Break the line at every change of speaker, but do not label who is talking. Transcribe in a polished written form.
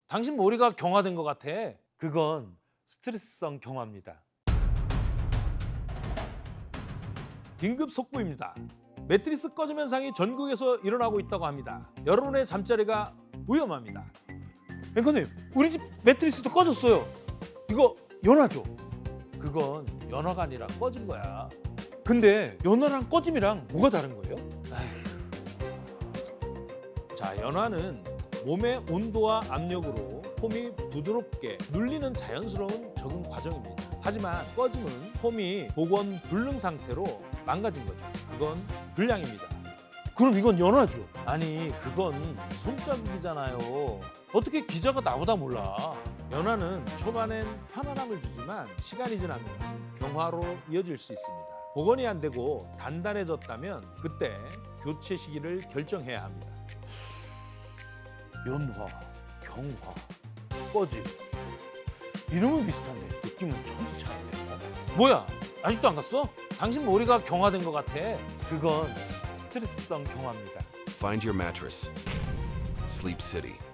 당신 머리가 경화된 것 같아.
그건 스트레스성 경화입니다.
긴급 속보입니다. 매트리스 꺼짐 현상이 전국에서 일어나고 있다고 합니다. 여러분의 잠자리가 위험합니다.
앵커님, 우리 집 매트리스도 꺼졌어요. 이거 연화죠?
그건 연화가 아니라 꺼진 거야.
근데 연화랑 꺼짐이랑 뭐가 다른 거예요?
자, 연화는 몸의 온도와 압력으로 폼이 부드럽게 눌리는 자연스러운 적응 과정입니다. 하지만 꺼짐은 폼이 복원 불능 상태로 망가진 거죠. 그건 불량입니다.
그럼 이건 연화죠?
아니, 그건 손자국이잖아요. 어떻게 기자가 나보다 몰라? 연화는 초반엔 편안함을 주지만 시간이 지나면 경화로 이어질 수 있습니다. 복원이 안 되고 단단해졌다면 그때 교체 시기를 결정해야 합니다.
연화, 경화, 꺼짐. 이름은 비슷한데 느낌은 천지 차이네요.
뭐야? 아직도 안 갔어? 당신 머리가 경화된 것 같아.
그건 스트레스성 경화입니다.
Find your mattress. Sleep City.